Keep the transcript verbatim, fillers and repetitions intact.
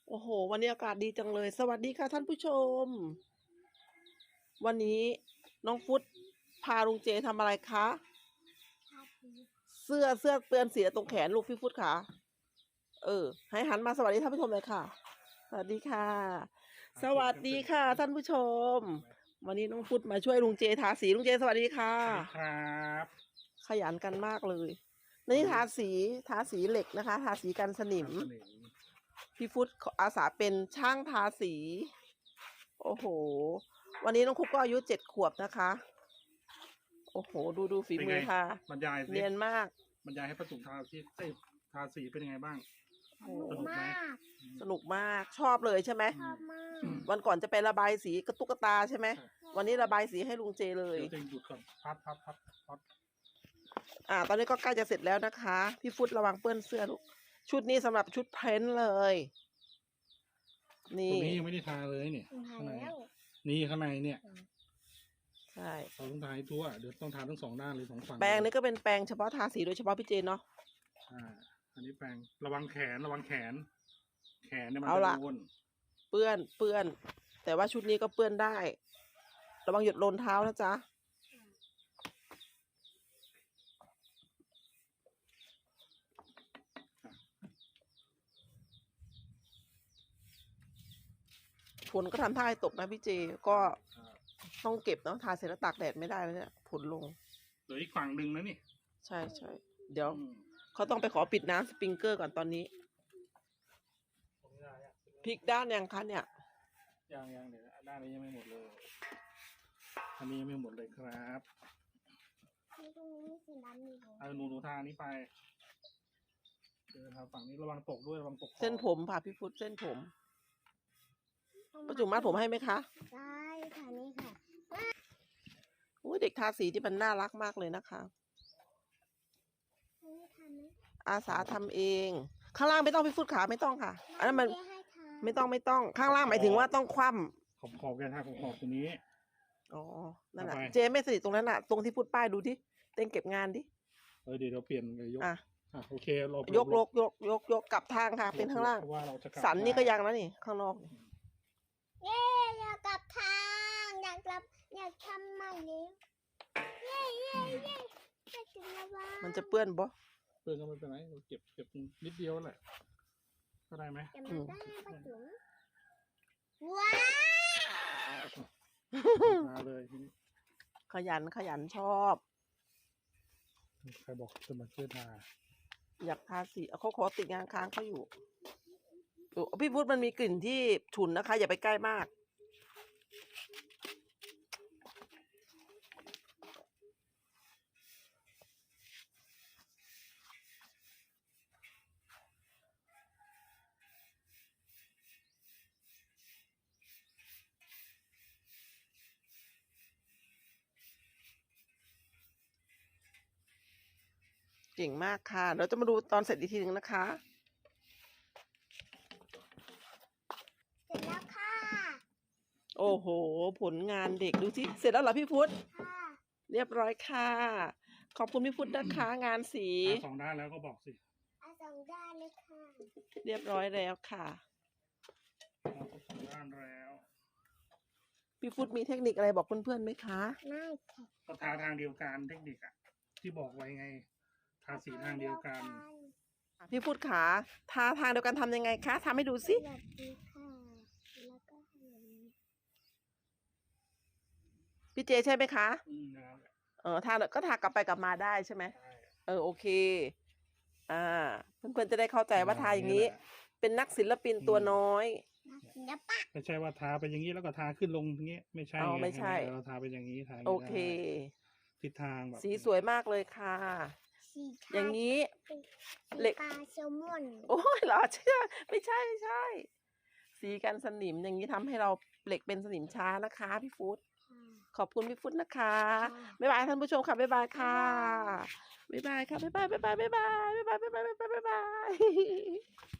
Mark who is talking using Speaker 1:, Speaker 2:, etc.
Speaker 1: โอ้โหวันนี้อากาศดีจังเลยสวัสดีค่ะท่านผู้ชมวันนี้น้องฟุตพาลุงเจทำอะไรคะเสื้อเสื้อเปื้อนสีตรงแขนลูกพี่ฟุตค่ะเออให้หันมาสวัสดีท่านผู้ชมเลยค่ะสวัสดีค่ะสวัสดีค่ะท่านผู้ชมวันนี้น้องฟุตมาช่วยลุงเจทาสีลุงเจสวัสดีค่ะ
Speaker 2: ครับ
Speaker 1: ขยันกันมากเลยนี่ทาสีทาสีเหล็กนะคะทาสีกันสนิมพี่ฟุตอาสาเป็นช่างทาสีโอ้โหวันนี้น้องคุกก็อายุเจ็ดขวบนะคะโอ้โหดูดูฝีมือค่ะ
Speaker 2: บรรยาย
Speaker 1: เนียนมาก
Speaker 2: บรรยายให้ประตุกทาสีทาสีเป็นยังไงบ้าง
Speaker 1: สนุก
Speaker 3: มาก
Speaker 1: สนุกมากชอบเลยใช่ไหม
Speaker 3: ชอบมาก
Speaker 1: วันก่อนจะไประบายสีกระตุกกระตาใช่ไหมวันนี้ระบายสีให้ลุงเจเลย
Speaker 2: เดี๋ยวหยุดก่อนพัดพัดพัดพัด
Speaker 1: อ่าตอนนี้ก็ใกล้จะเสร็จแล้วนะคะพี่ฟุตระวังเปื้อนเสื้อลูกชุดนี้สำหรับชุดเพ้นเลยนี่
Speaker 2: ตัวนี้ยังไม่ได้ทาเลยเนี่ยข้างในนี่ข้างในเนี่ย
Speaker 1: ใช่
Speaker 2: เราต้องทาให้ทั่วเดี๋ยวต้องทาทั้งสองด้านเลยสองฝั่ง
Speaker 1: แปรงนี้ก็เป็นแปรงเฉพาะทาสีโดยเฉพาะพี่เจเนาะ
Speaker 2: อ่าอันนี้แปรงระวังแขนระวังแขน แขนเนี่ยมันจะโดน
Speaker 1: เปื้อนเปื้อนแต่ว่าชุดนี้ก็เปื้อนได้ระวังหยดโลนเท้านะจ๊ะฝนก็ทำท่าให้ตกนะพี่เจก็ต้องเก็บเนาะทาเสร็จแล้วตากแดดไม่ได้แล้วเนี่ยฝนลง
Speaker 2: เหลืออีกฝั่งหนึ่งนะนี่
Speaker 1: ใช่ใช่เดี๋ยวเขาต้องไปขอปิดน้ำสปริงเกอร์ก่อนตอนนี้พลิกด้านยังคะเนี่ย
Speaker 2: ยังยังเดี๋ยวด้านนี้ยังไม่หมดเลยอันนี้ยังไม่หมดเลยครับ
Speaker 3: ตรงนี้สีดำอยู่
Speaker 2: เอาหนูหนูทานี้ไปเดี๋ยวทาฝั่งนี้ระวังตกด้วยระวังตก
Speaker 1: เส้นผมผ่าพี่ฟุตเส้นผมประจุมัดผมให้ไหมคะ
Speaker 3: ได้ค่ะนี่ค่ะ
Speaker 1: โอ้ยเด็กทาสีที่มันน่ารักมากเลยนะคะอาสาทำเองข้างล่างไม่ต้องพี่ฟุตขาไม่ต้องค่ะอันนั้นมันไม่ต้องไม่ต้องข้างล่างหมายถึงว่าต้องคว่
Speaker 2: ำขอบขอบแกทาขอบขอบตรงนี้
Speaker 1: อ๋อนั่นแหละเจไม่สนิทตรงนั้นน่ะตรงที่ฟุตป้ายดูที่เต้นเก็บงานดิ
Speaker 2: เออเดี๋ยวเราเปลี่ยนเลยยกอ่ะโอเคเรา
Speaker 1: ยกยกยกยกยกกลับทางค่ะเป็นข้างล่างสันนี่ก็ยังแล้วนี่ข้างนอก
Speaker 3: เย้อยากกลับทางอยากกลับอยากทำใหม่เลยเย้เย้เย้จะถึงแล้วว่า
Speaker 1: มันจะเปื้อนบ่
Speaker 2: เปื้อนก็ไม่เป็นไรเราเก็บเก็บนิดเดียวแหละก็ได้ไหม
Speaker 3: จะมาได้ปะจุ๋มว้าว
Speaker 2: มาเลยทีนี้
Speaker 1: ขยันขยันชอบ
Speaker 2: ใครบอกจะมาช่วยทา
Speaker 1: อยากทาสีเขาขอติดงานค้างเขาอยู่พี่พุทธมันมีกลิ่นที่ฉุนนะคะอย่าไปใกล้มากเก่งมากค่ะเราจะมาดูตอนเสร็จอีกทีหนึ่งนะคะ
Speaker 3: เสร็จแล้วค่ะ
Speaker 1: โอ้โหผลงานเด็กดูสิเสร็จแล้วเหรอพี่พุทธ
Speaker 3: ค่ะ
Speaker 1: เรียบร้อยค่ะขอบคุณพี่พุทธนะคะงานสี
Speaker 2: สองด้านแล้วก็บอกสิ
Speaker 3: เอาสองด้านเลยค่ะ
Speaker 1: เรียบร้อยแล้วค่ะ
Speaker 2: สองด้านแล้ว
Speaker 1: พี่พุทธมีเทคนิคอะไรบอกเพื่อนๆไหมคะ
Speaker 3: ไม่ค่ะ
Speaker 2: ก็ทาทางเดียวกันเทคนิคอะที่บอกไว้ไงทาสีทางเดียวกัน
Speaker 1: พี่พุทธขาทาทางเดียวกันทำยังไงคะทำให้ดูสิ
Speaker 3: แบบนี้ค่ะแล้วก็
Speaker 1: พี่เจใช่ไหมคะ
Speaker 2: อืม
Speaker 1: เออทาก็ทากลับไปกลับมาได้ใช่ไหมเออโอเคอ่าเพื่อนๆจะได้เข้าใจว่าทาอย่างนี้เป็นนักศิลปินตัวน้อย
Speaker 2: ไม่ใช่ว่าทาไปอย่างนี้แล้วก็ทาขึ้นลงอย่างเงี้ยไม่ใช่
Speaker 1: อ๋อไม่ใช่
Speaker 2: เราทาไปอย่างนี้ทา
Speaker 1: โอเค
Speaker 2: ทิศทางแบบ
Speaker 1: สีสวยมากเลยค่ะอย่างนี้
Speaker 3: เหล็กปลาแซลมอน
Speaker 1: โอ้ยเหรอเชื่อไม่ใช่ไม่ใช่สีกันสนิมอย่างนี้ทำให้เราเหล็กเป็นสนิมช้านะคะพี่ฟุตขอบคุณพี่ฟุตนะคะบ๊ายบายท่านผู้ชมค่ะบ๊ายบายค่ะบ๊ายบายค่ะบ๊ายบายบ๊ายบายบ๊ายบายบ๊ายบายบ๊ายบายบ๊ายบาย